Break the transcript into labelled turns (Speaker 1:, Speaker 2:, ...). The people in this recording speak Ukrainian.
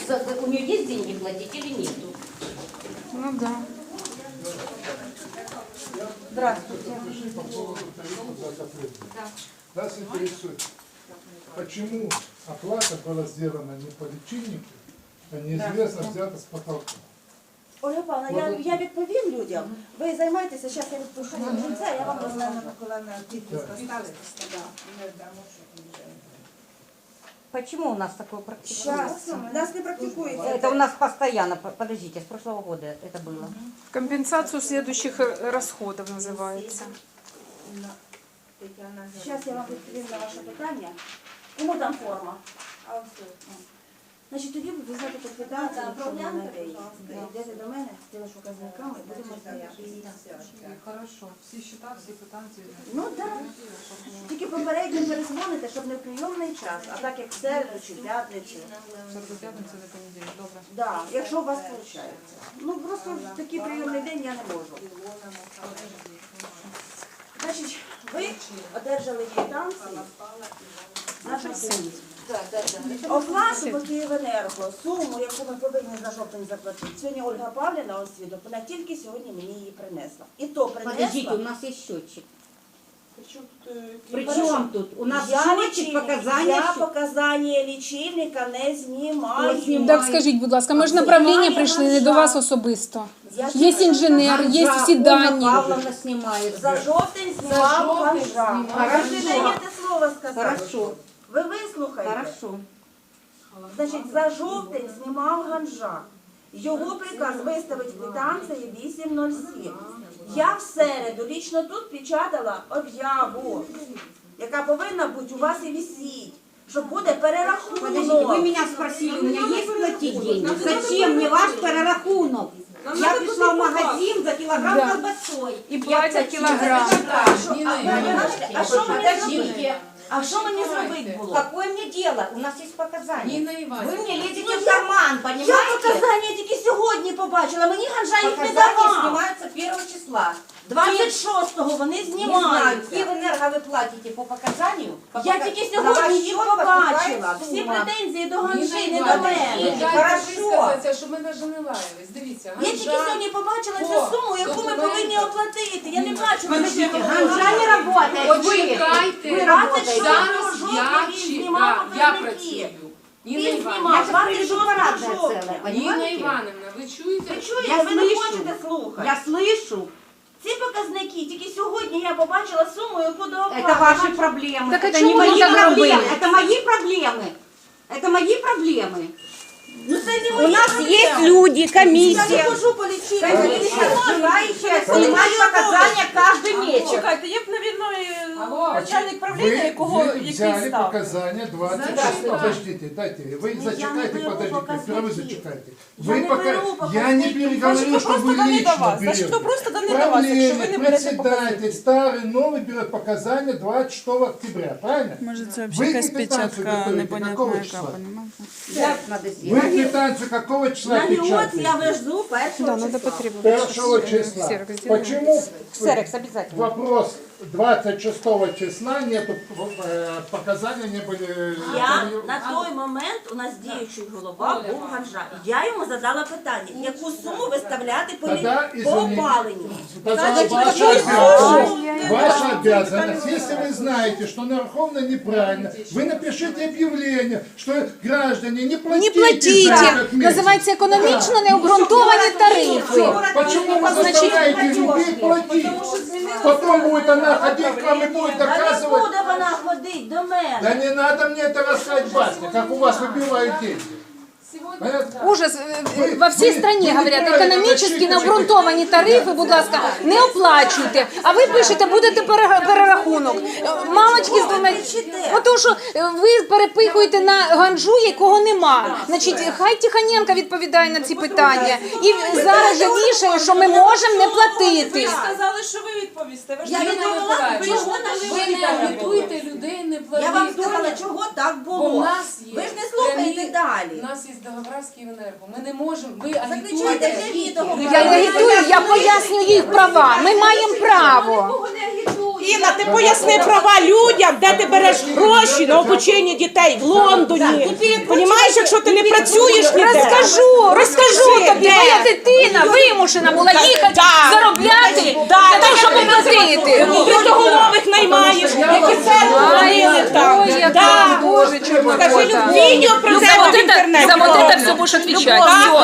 Speaker 1: у нее есть деньги платить или нету.
Speaker 2: Ну да.
Speaker 1: Здравствуйте.
Speaker 3: По поводу тарифа за отопление. Нас интересует, почему оплата была сделана не по лічильнику, а неизвестно взята с потолка.
Speaker 4: Ольга Павловна, я відповім людям. Ви займайтеся, зараз я відпишу кінця, я вам розгляну.
Speaker 1: Почему у нас такое практикуется?
Speaker 4: Зараз, у нас не практикується.
Speaker 1: Это у нас постоянно, подождите, с прошлого года это было.
Speaker 2: Компенсацию следующих расходов называется.
Speaker 4: Зараз я вам відповім на ваше питання. Кому там форма? Значить, тоді ви візьмете квитанцію, якщо ви на неї. Йдете до мене з тими показниками, будемо знайомі.
Speaker 5: Хорошо, всі счета, всі квитанції.
Speaker 4: Ну так. Тільки попередньо перезвоните, щоб не в прийомний час, а так як в середу чи п'ятницю.
Speaker 5: Середу, п'ятницю, до понеділка. Добре.
Speaker 4: Да, якщо у вас виходить. Ну просто в такий прийомний день я не можу. Значить, ви одержали квитанції на жовтень. Оплату по Київенерго, суму, яку ми повинні за жовтень заплатити. Сьогодні Ольга Павлівна освідок, вона тільки сьогодні мені її принесла. І то
Speaker 1: Подождите, у
Speaker 4: принесла.
Speaker 1: нас есть счетчик.
Speaker 4: Причому тут,
Speaker 1: Причем тут? У нас
Speaker 4: я
Speaker 1: счетчик,
Speaker 4: лічильник,
Speaker 1: показания.
Speaker 4: я показання лічильника не знімаю.
Speaker 2: Так скажіть, будь ласка, ми ж направлення прийшли не до вас особисто.
Speaker 4: Я
Speaker 2: Є інженер, є всі дані.
Speaker 1: Павловна снимает.
Speaker 4: За жовтень знімав Ганжа.
Speaker 1: Хорошо.
Speaker 4: Ви не даєте слово сказати.
Speaker 1: Хорошо,
Speaker 4: Ви вислухайте.
Speaker 1: хорошо.
Speaker 4: Значить, за жовтень знімав Ганжа. Його приказ виставить квитанції 8.07. Я в середу лічно тут печатала об'яву, яка повинна бути у вас і висіть, що буде
Speaker 1: Подождите, вы
Speaker 4: перерахунок.
Speaker 1: меня спросили, у меня есть платить деньги? Зачем мне ваш перерахунок? Я пришла в магазин за килограмм колбасой.
Speaker 2: І платять кілограм.
Speaker 4: А що мені зробити? А що мені зробити було?
Speaker 1: Какое мне дело? У нас есть показания.
Speaker 5: Ніна Іванівна.
Speaker 1: Вы мне лезете в карман,
Speaker 4: Я
Speaker 1: понимаете?
Speaker 4: показання тільки сьогодні побачила, мені Ганжа їх не
Speaker 1: Показания
Speaker 4: давав.
Speaker 1: снимаются 1 числа.
Speaker 4: 26-го вони
Speaker 1: Не знаю,
Speaker 4: знімаються.
Speaker 1: Киевэнерго вы платите по показанию?
Speaker 4: Я тільки сьогодні їх побачила. Всі претензії до Ганжи, не до мене.
Speaker 1: Хорошо.
Speaker 5: Сказати, щоб ми навіть не лаялись. Дивіться,
Speaker 4: Я тільки сьогодні побачила цю суму, яку ми повинні оплатити. Я не бачила,
Speaker 1: Подождите, Ганжа не работает.
Speaker 5: Почекайте.
Speaker 1: Вы работаете.
Speaker 5: Зараз я працюю. Ніна
Speaker 4: Він
Speaker 5: Іванівна,
Speaker 4: знімав
Speaker 1: Я сейчас
Speaker 4: 26
Speaker 1: приведу парадное
Speaker 4: жовтня.
Speaker 1: целое,
Speaker 5: Ніна
Speaker 1: понимаете?
Speaker 5: Іванівна, ви чуєте?
Speaker 4: Ви чуєте,
Speaker 1: Я
Speaker 4: ви не
Speaker 1: слышу.
Speaker 4: хочете слухати.
Speaker 1: Я слышу.
Speaker 4: Ці показники, тільки сьогодні я побачила суму, яку до оплати.
Speaker 1: Это ваши проблемы.
Speaker 2: Так а
Speaker 1: это
Speaker 2: чему
Speaker 1: не мои
Speaker 2: вы так
Speaker 1: проблемы.
Speaker 2: робили?
Speaker 1: Это мои проблемы. Это мои проблемы.
Speaker 4: Ну це не
Speaker 1: У
Speaker 4: мої
Speaker 1: нас
Speaker 4: проблеми.
Speaker 1: есть люди,
Speaker 4: Я не
Speaker 1: комиссия.
Speaker 4: хожу по лічильнику.
Speaker 1: Желающие снимать показания каждый месяц.
Speaker 6: Чекайте, є б,
Speaker 5: Алло.
Speaker 6: начальник правління, якого
Speaker 3: Вы
Speaker 6: який
Speaker 3: взяли
Speaker 6: став.
Speaker 3: показания 26.
Speaker 5: Зачем?
Speaker 3: Подождите, дайте, вы
Speaker 4: я не
Speaker 3: зачекайте,
Speaker 4: беру
Speaker 3: подождите,
Speaker 4: показники.
Speaker 3: сперва вы зачекайте.
Speaker 4: Я не беру
Speaker 3: Я
Speaker 4: показники.
Speaker 3: не переговорил,
Speaker 6: Значить,
Speaker 3: что
Speaker 6: хто просто
Speaker 3: вы
Speaker 6: дані до
Speaker 3: лично
Speaker 6: вас? Значить,
Speaker 3: берете.
Speaker 6: хто просто дані до вас, якщо ви не берете показники.
Speaker 3: Председатель старый, новый берет показания 26 октября, правильно?
Speaker 2: Може, це
Speaker 3: Вы квитанцию готовите какого числа?
Speaker 1: Как надо
Speaker 3: Вы
Speaker 1: сделать?
Speaker 3: квитанцию какого числа
Speaker 4: На льот я
Speaker 3: печатаете?
Speaker 4: везу 1
Speaker 2: Да, надо
Speaker 4: числа.
Speaker 2: потребовать.
Speaker 3: 1 числа.
Speaker 2: Ксерокс сделаем.
Speaker 3: Почему
Speaker 1: Ксерокс обязательно.
Speaker 3: вопрос 26 числа нету, показания не были...
Speaker 4: Я на той момент у нас діючий голова був Ганжа. Я йому задала питання, яку суму виставляти по
Speaker 3: Тогда,
Speaker 4: по
Speaker 3: извините.
Speaker 4: опаленню.
Speaker 3: Ваша обязанность, ваша обязанность, если вы знаете, что нараховано неправильно, вы напишите объявление, что граждане не
Speaker 2: Не
Speaker 3: платите,
Speaker 2: платите.
Speaker 3: за этот месяц.
Speaker 2: Називається економічно необґрунтовані тарифи.
Speaker 3: Почему вы заставляете людей платить? Потом будет она ходить к вам и будет
Speaker 4: Та не
Speaker 3: доказывать.
Speaker 4: буде вона ходити до мене.
Speaker 3: Да не надо мне это рассказать, басня, как у вас выбивают деньги. Понятно?
Speaker 2: Ужас. Во всій
Speaker 3: ви
Speaker 2: країні говорять,
Speaker 3: неправильно
Speaker 2: економічно
Speaker 3: начитаєте.
Speaker 2: необґрунтовані тарифи, будь ласка, не оплачуйте. А ви пишете, будете перерахунок. Мамочки з двома... Тому що ви перепихуєте на Ганжу, якого нема. Значить, хай Тихоненко відповідає на ці питання. І зараз же вішає, що ми можемо не
Speaker 6: Ви
Speaker 2: платити.
Speaker 6: ж сказали, що ви відповісте. Ви ж
Speaker 4: Я
Speaker 6: не
Speaker 4: не
Speaker 6: відповіли.
Speaker 4: відповіла,
Speaker 6: Ви
Speaker 4: чого
Speaker 6: ж
Speaker 4: дали
Speaker 5: Ви не
Speaker 4: відповідь.
Speaker 5: агітуйте людей, не платити.
Speaker 4: Я вам сказала, чого так
Speaker 5: Бо в
Speaker 4: було.
Speaker 5: нас є
Speaker 4: Ви ж не слухаєте
Speaker 5: прямі-
Speaker 4: далі.
Speaker 5: У нас є договора з Київенерго. Ми не можемо, ви
Speaker 4: Закричайте
Speaker 5: агітуєте.
Speaker 4: для відео.
Speaker 2: Я не агітую, я пояснюю їх права. Ми маємо право.
Speaker 4: Нікого не агітую.
Speaker 6: Інна, ти поясни права людям, де ти береш гроші на обучення дітей в Лондоні. Понімаєш, якщо ти не працюєш ніде?
Speaker 2: Розкажу тобі,
Speaker 6: Де?
Speaker 2: моя дитина вимушена була їхати
Speaker 6: Да.
Speaker 2: заробляти
Speaker 6: Да,
Speaker 2: для того, щоб оплатити.
Speaker 6: Трудоголових наймаєш, які церкву ходили там.
Speaker 2: Ой, яка,
Speaker 6: Да.
Speaker 2: Боже, чорнота.
Speaker 6: Скажи, відео про
Speaker 2: За
Speaker 6: це
Speaker 2: вот
Speaker 6: в інтернеті.
Speaker 2: это все будешь отвечать.
Speaker 6: Любов.
Speaker 2: Всё.